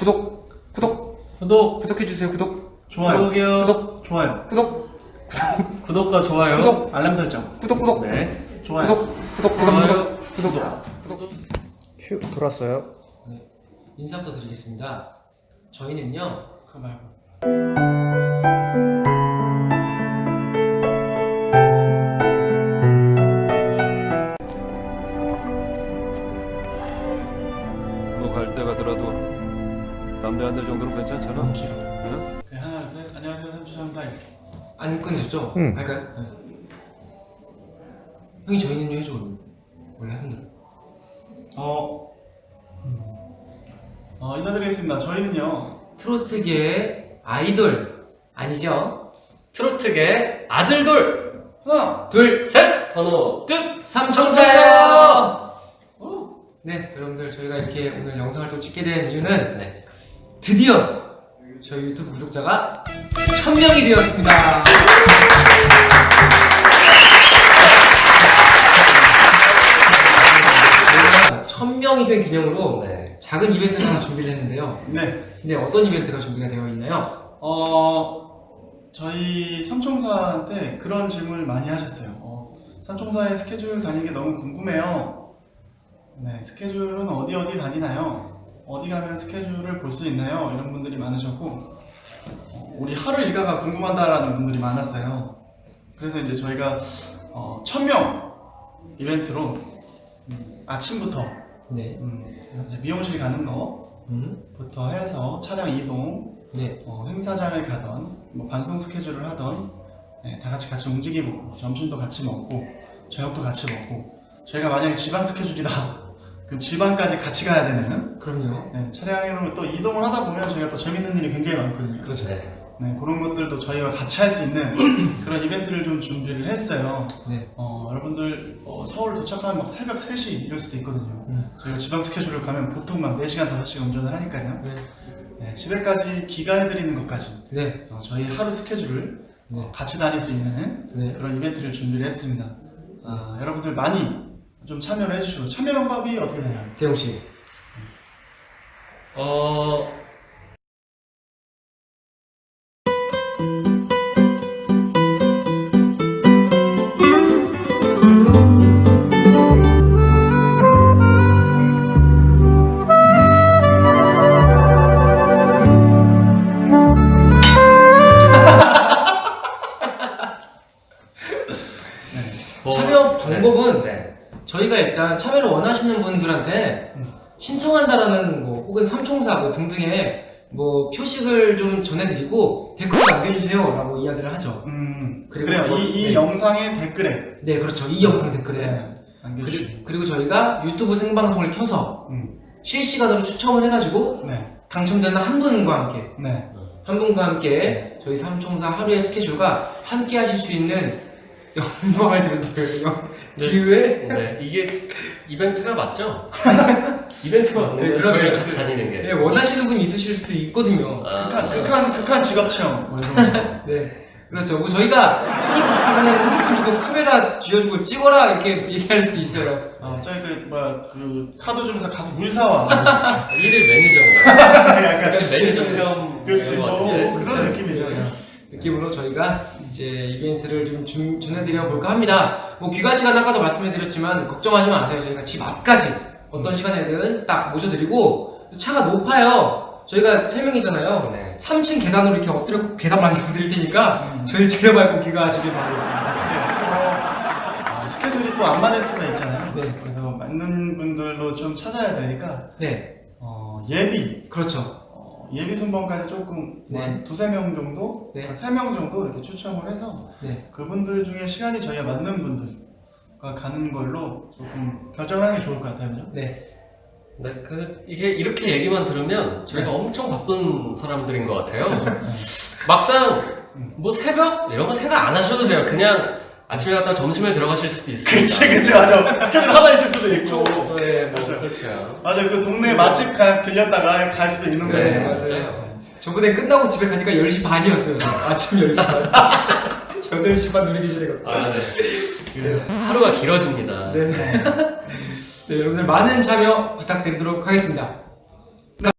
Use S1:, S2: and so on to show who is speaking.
S1: 구독해주세요.
S2: 좋아요.
S1: 구독이요.
S2: 좋아요.
S1: 구독과 좋아요.
S2: 알람 설정.
S1: 네.
S2: 좋아요.
S1: 좋아요.
S2: 큐 돌았어요.
S1: 네. 인사부터 드리겠습니다. 저희는요.
S2: 그거 말고.
S3: 뭐 갈 때 가더라도 담배 한 대 정도는 괜찮잖아.
S1: 너무 길어.
S3: 응?
S2: 네, 하나, 둘, 셋. 안녕하세요. 삼주삼다.
S1: 안 끊으셨죠?
S2: 응.
S1: 할까요? 네. 형이 저희는요 해줘. 원래 하던 대로.
S2: 인사드리겠습니다. 저희는요.
S1: 트로트계의 아이돌 아니죠? 트로트계의 아들돌. 하나, 둘, 셋. 번호 끝. 삼총사예요. 네, 여러분들 저희가 이렇게 오늘 영상을 또 찍게 된 이유는 드디어 저희 유튜브 구독자가 1000명이 되었습니다. 저희가 1000명이 된 기념으로 작은 이벤트를 하나 준비를 했는데요.
S2: 네.
S1: 근데 어떤 이벤트가 준비가 되어 있나요?
S2: 저희 삼총사한테 그런 질문을 많이 하셨어요. 삼총사의 스케줄 다니는 게 너무 궁금해요. 네, 스케줄은 어디 다니나요? 어디 가면 스케줄을 볼 수 있나요? 이런 분들이 많으셨고, 우리 하루 일과가 궁금하다라는 분들이 많았어요. 그래서 이제 저희가 1000명 이벤트로 아침부터
S1: 네.
S2: 이제 미용실 가는 거부터 해서 차량 이동,
S1: 네.
S2: 행사장을 가던, 뭐 방송 스케줄을 하던, 다 같이 움직이고, 점심도 같이 먹고, 저녁도 같이 먹고, 저희가 만약에 지방 스케줄이다, 그럼 지방까지 같이 가야 되는,
S1: 그럼요.
S2: 차량으로 또 이동을 하다 보면 저희가 또 재밌는 일이 굉장히 많거든요.
S1: 그렇죠.
S2: 네, 그런 것들도 저희와 같이 할 수 있는 그런 이벤트를 좀 준비를 했어요.
S1: 네.
S2: 여러분들 서울 도착하면 막 새벽 3시 이럴 수도 있거든요. 저희가 지방 스케줄을 가면 보통 막 4시간, 5시간 운전을 하니까요. 네, 집에까지 귀가해드리는 것까지
S1: 네.
S2: 저희 하루 스케줄을 같이 다닐 수 있는 그런 이벤트를 준비를 했습니다. 여러분들 많이 좀 참여를 해주시고, 참여 방법이 어떻게 되나요?
S1: 대용씨. 참여 방법은 저희가 일단 참여를 원하시는 분들한테 신청한다라는 뭐 혹은 삼총사 뭐 등등의 뭐 표식을 좀 전해드리고 댓글을 남겨주세요 라고 이야기를 하죠.
S2: 그래요.
S1: 뭐,
S2: 이 영상의 댓글에.
S1: 네, 그렇죠. 이 영상 댓글에.
S2: 남겨주시고.
S1: 그리고 저희가 유튜브 생방송을 켜서 실시간으로 추첨을 해가지고 당첨되는 한 분과 함께 저희 삼총사 하루의 스케줄과 함께 하실 수 있는 영광을 드리는 기회.
S4: 이게 이벤트가 맞죠? 이벤트가 맞는 거예요? 저희랑 같이 다니는 게.
S1: 원하시는 분이 있으실 수도 있거든요.
S2: 극한 직업 체험 뭐 이런 거.
S1: 그렇죠. 뭐 저희가 손이 부족하면 핸드폰 주고 카메라 쥐어주고 찍어라 이렇게 얘기할 수도 있어요.
S2: 저희 그 카드 주면서 가서 물 사와.
S4: 일일 매니저. 약간 매니저 체험.
S2: 그렇지.
S4: 같은데.
S2: 그런 느낌이죠.
S1: 느낌으로 저희가 이제 이벤트를 좀 전해드려 볼까 합니다. 뭐 귀가 시간 아까도 말씀해드렸지만 걱정하지 마세요. 저희가 집 앞까지 어떤 시간에든 딱 모셔드리고, 또 차가 높아요. 저희가 3명이잖아요. 3층 계단으로 이렇게 엎드려 계단 만들어 드릴 테니까 저희 제발 꼭 귀가하시길 바라겠습니다.
S2: 스케줄이 또 안 맞을 수가 있잖아요. 그래서 맞는 분들로 좀 찾아야 되니까 예비.
S1: 그렇죠.
S2: 예비 순번까지 조금 한 2-3명 정도, 한 3명 정도 이렇게 추첨을 해서 그분들 중에 시간이 저희가 맞는 분들과 가는 걸로 조금 결정을 하는 게 좋을 것 같아요. 그죠?
S4: 이게 이렇게 얘기만 들으면 저희가 엄청 바쁜 사람들인 것 같아요. 막상 뭐 새벽 이런 거 생각 안 하셔도 돼요. 그냥 아침에 갔다 점심에 들어가실 수도 있어요.
S2: 그치 맞아. 스케줄 하나 있을 수도 있고.
S4: 그렇죠.
S2: 맞아요. 그 동네 맛집 들렸다가 갈 수도 있는 거예요.
S4: 맞아요.
S1: 저번에 끝나고 집에 가니까 10시 반이었어요. 아침 10시 반. 8시 반 누리기 전에
S4: 그래서 하루가 길어집니다.
S1: 여러분들 많은 참여 부탁드리도록 하겠습니다.